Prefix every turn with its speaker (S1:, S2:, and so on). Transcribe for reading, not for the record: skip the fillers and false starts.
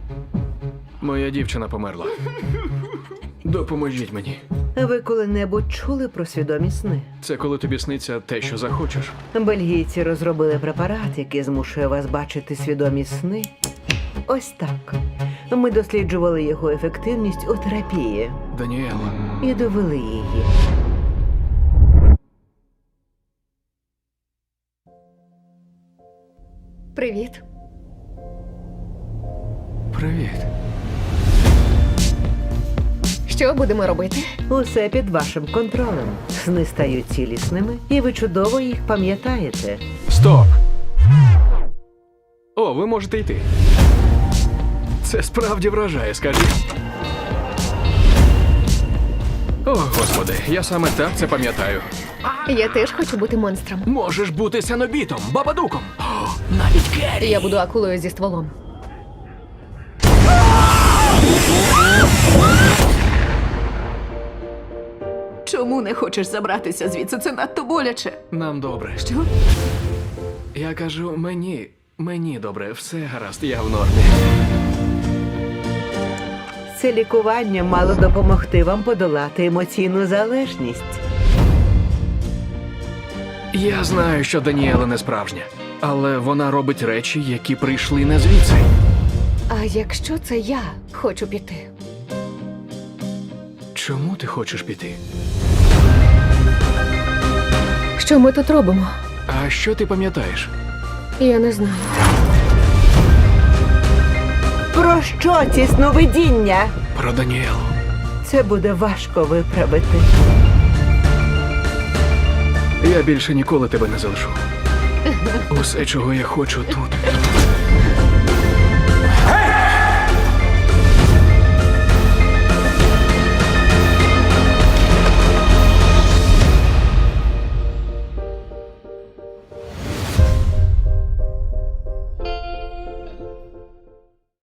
S1: Моя дівчина померла. Допоможіть мені.
S2: Ви коли-небудь чули про свідомі сни?
S1: Це коли тобі сниться те, що захочеш.
S2: Бельгійці розробили препарат, який змушує вас бачити свідомі сни. Ось так. Ми досліджували його ефективність у терапії
S1: Даніела,
S2: і довели її.
S3: Привіт.
S1: привіт.
S3: Що будемо робити?
S2: Усе під вашим контролем. Сни стають цілісними, і ви чудово їх пам'ятаєте.
S1: Стоп! О, ви можете йти. Це справді вражає, скажіть. О, господи, я саме так це пам'ятаю.
S3: Я теж хочу бути монстром.
S1: Можеш бути сенобітом, бабадуком. О, навіть Керрі.
S3: Я буду акулою зі стволом.
S4: Чому не хочеш забратися звідси? Це надто боляче.
S1: Нам добре.
S4: Що?
S1: Я кажу, мені добре, все гаразд, я в нормі.
S2: Це лікування мало допомогти вам подолати емоційну залежність.
S1: Я знаю, що Даніела не справжня, але вона робить речі, які прийшли не звідси.
S3: А якщо це я хочу піти?
S1: Чому ти хочеш піти?
S3: Що ми тут робимо?
S1: А що ти пам'ятаєш?
S3: Я не знаю.
S2: Про що ці сновидіння?
S1: Про Даніелу.
S2: Це буде важко виправити.
S1: Я більше ніколи тебе не залишу. Усе, чого я хочу тут,